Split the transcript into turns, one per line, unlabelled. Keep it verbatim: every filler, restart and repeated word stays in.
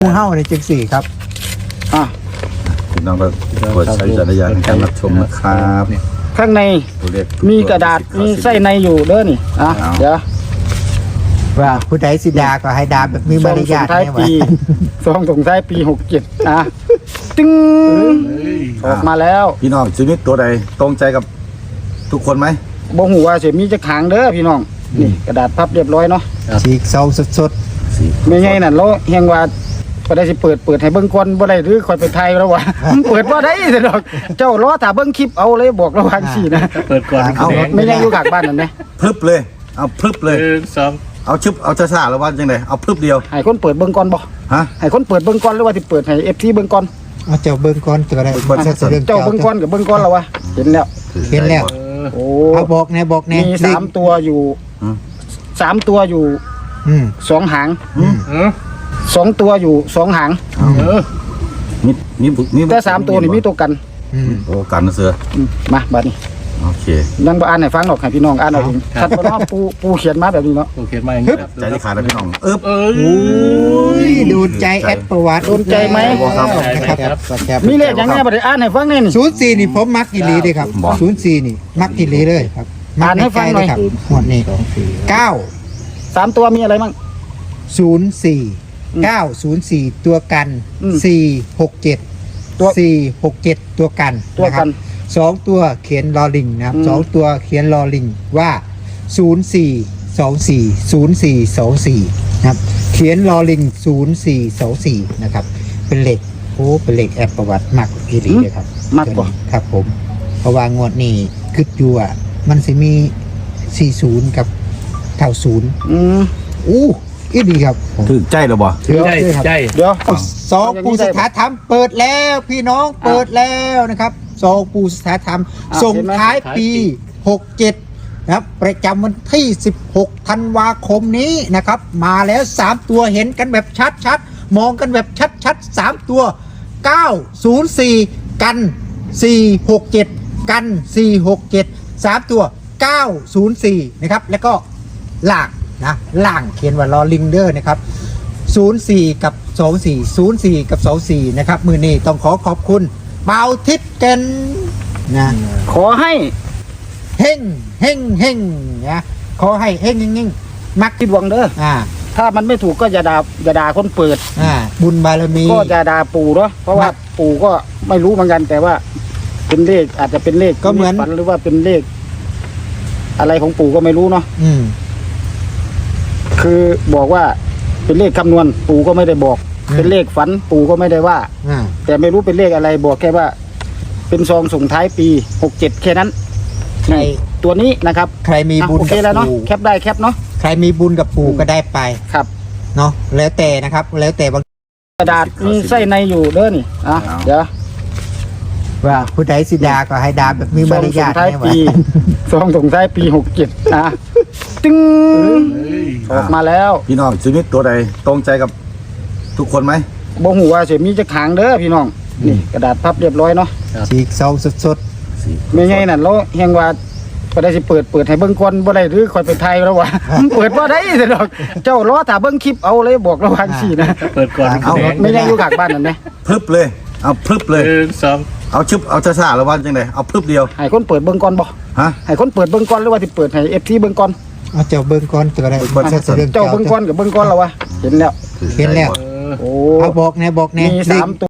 งูเห่าในจังสี่ครับอ่ะ
พี่น้องก็กดใช้จักรยานในการรับชมนะครับ
ข้างใน
ตัวเลข
มีกระดาษมีไส้ในอยู่เด้อนี่อ่ะเดี๋ยว
ว่าผู้ใดสิดาก็ให้ดาแบบมีมารยาท
ท้าย
เนี่ยวะ
ปีซองส่งท้ายปีหกเจ็ดอ่ะตึ้งออกมาแล้ว
พี่น้องชีวิตตัวใดตรงใจกับทุกคนไหม
บ่หูว่าเสียมีจะขางเด้อพี่น้องนี่กระดาษพับเรียบร้อยเนาะ
ฉีกซองสด
ไม่ไงนั่นเราเฮงว่าก็ได้สิเปิดเปิดให้เบิ่งก่อนบ่ได้หรือคอยไปไทยแล้ววะ มันเปิดบ่ได้ซะดอกเจ้ารอถ้าเบิ่งคลิปเอาเลยบอกระวังสินะ
เปิดก่อน
เอา
ไม่ยังอยู่กลางบ้านนั่นแหละ
พรึบเลย เอาพรึบเลย
หนึ่งสอง
เอาชึบเอาช้าๆแล้วว่าจังไดเอาพรึบเดียว
ให้คนเปิดเบิ่งก่อนบ่
ฮะ
ให้คนเปิดเบิ่งก่อนหรือว่าสิเปิดให้ เอฟ ซี เบิ่งก่อน
ๆเอาเจ้าเบิ้งก่อนก็ได้
เบิ่งก่อน
จะเรื่อง
เจ้าเบิ่งก่อนกับเบิ่งก่อนแล้ววะเห็นแล้ว
เห็นแล้ว
เออ
โอ้
เอาบอกแน่บอกแน่
มีสามตัวอยู่
อืม
สามตัวอยู่
อืม
สองหาง
อืม
เออ
สองตัวอยู่สองหาง
เออ
มีมีมี
แต่สามตัวนี่มีตัวกัน
อืม
โอ้กันนะเสือ
อืมมาบัดนี้
โอเค
ยังบ่อ่านให้ฟังหรอกให้พี่น้องอ่านเอาเองชัดบ่เนาะปูปูเขียนมาแบบนี้เนาะ
โอเคมาอย่างนี้ครับ
ใจที่ขาดแล้วพี่น้องเอ๊บ
เออ
โอ้ยดูใจแอดประวัติ
โดนใจไหม
นะครับ
ครับ
ครับ
มีเลขอย่างเนี้ยบ่ได้อ่านให้ฟังแน่นี่
ศูนย์สี่นี่ผมมักอีหลีเลยครับศูนย์สี่นี่มักอีหลีเลยครับมั
อ่านให้ฟังหน่อย
ครับหมวดนี้เก้า
สามตัวมีอะไรมั่ง
ศูนย์สี่
อืม
เก้าศูนย์สี่ตัวกัน
อืม
สี่หกเจ็ด
ตัว
สี่หกเจ็ดตัวกัน
ตัวกัน
นะครับสองตัวเขียนลอลิงนะครับ
อืม
สองตัวเขียนลอลิงว่าศูนย์สี่สองสี่ศูนย์สี่สองสี่นะครับเขียนลอลิงศูนย์สี่สองสี่นะครับเป็นเหล็กโอ้เป็นเหล็กแอบประวัติมากอีหลีเลยครับ
มากกว่า
ครับผมเพราะว่างวดนี้คืออยู่อ่ะมันสิมีสี่ศูนย์กับเท่าศูนย์
อืม
อู้อีดีครับผม
ถึกใจหรือบ่
ถือ
ใจ
ด้วยครับ
ใจ
เดี๋ยว
ซองปูสถาธรรมเปิดแล้วพี่น้องเปิดแล้วนะครับซองปูสถาธรรม
อ่ะ
ส่ง
เห็นไหม
ท้ายปีหกเจ็ดนะครับประจำวันที่สิบหกธันวาคมนี้นะครับ มาแล้วสามตัวเห็นกันแบบชัดๆมองกันแบบชัดๆสามตัวเก้าศูนย์สี่กันสี่หกเจ็ดกันสี่หกเจ็ดสามตัวเก้าศูนย์สี่นะครับแล้วก็ล่างนะล่างเขียนว่าลอลิงเดอร์นะครับศูนย์สี่กับสองสี่ ศูนย์สี่กับสองสี่นะครับมือนี้ต้องขอขอบคุณเบาทิศเกนนะ
ขอให้
เฮงเฮงเฮงนะขอให้เฮงเฮงเฮงมัก
คิดหวังเด้อ
อ่า
ถ้ามันไม่ถูกก็อย่าด่าอย่าด่าคนเปิด
อ่าบุญบารมี
ก็อย่าด่าปู่เนาะเพราะว่าปู่ก็ไม่รู้เหมือนกัน แต่ว่า เป็นเลขอาจจะเป็นเลข
ก็เหมือน
ฝันหรือว่าเป็นเลข อะไรของปู่ก็ไม่รู้เนาะ
อืม
คือบอกว่าเป็นเลขคำนวณ ปู่ก็ไม่ได้บอก
อืม
เป็นเลขฝัน ปู่ก็ไม่ได้ว่า
อ่า
แต่ไม่รู้เป็นเลขอะไรบอกแค่ว่า เป็นซองส่งท้ายปีหกเจ็ดแค่นั้น
ใคร
ตัวนี้นะครับ
ใครมี
อ่ะ
บุญ
โอเค
กับ
แล้วเนาะ
ปู่
แคปได้แคปเนาะ
ใครมีบุญกับปู่ก็ได้ไป
ครับ
เนาะแล้วแต่นะครับ แล้วแต่บาง
กระดาษมีไส้ในอยู่เด้อนี่อ่ะเดี๋ยว
ว่าผู้ใดสิดาก็ให้ดาแบบมีมารยาท
ซองส่งท้าย
เนี่ยวะ
ปีซองส่งท้ายปีหกเจ็ดอ่ะตึ้งออกมาแล้ว
พี่น้องชีวิตตัวใดตรงใจกับทุกคนไหม
บ่หูว่าเสียมีจะขางเด้อพี่น้องนี่กระดาษพับเรียบร้อยเนาะ
ฉีกซองสด
ไม่ไงนั่นเราเฮงว่าก็ได้สิเปิดเปิดให้เบิ่งก่อนบ่ได้หรือคอยไปไทยแล้ววะ มันเปิดบ่ได้ซะดอกเจ้ารอถ้าเบิ่งคลิปเอาเลยบอกระวังสินะ
เปิดก่อน
เอา
ไม่ยังอยู่กลางบ้านนั่นแหละ
พรึบเลย เอาพรึบเลย
หนึ่งสอง
เอาชึบเอาช้าๆแล้วว่าจังไดเอาพรึบเดียว
ให้คนเปิดเบิ่งก่อนบ่
ฮะ
ให้คนเปิดเบิ่งก่อนหรือว่าสิเปิดให้ เอฟ ซี เบิ่งก่อน
ๆเอาเจ้าเบิ้งก่อนก็ได้
เบิ่งก่อน
จะเรื่อง
เจ้าเบิ่งก่อนกับเบิ่งก่อนแล้ววะเห็นแล้ว
เห็นแล้ว
เออ
โอ้
เอาบอกแน่บอกแน่
มี
เล
สา
ข
มตัว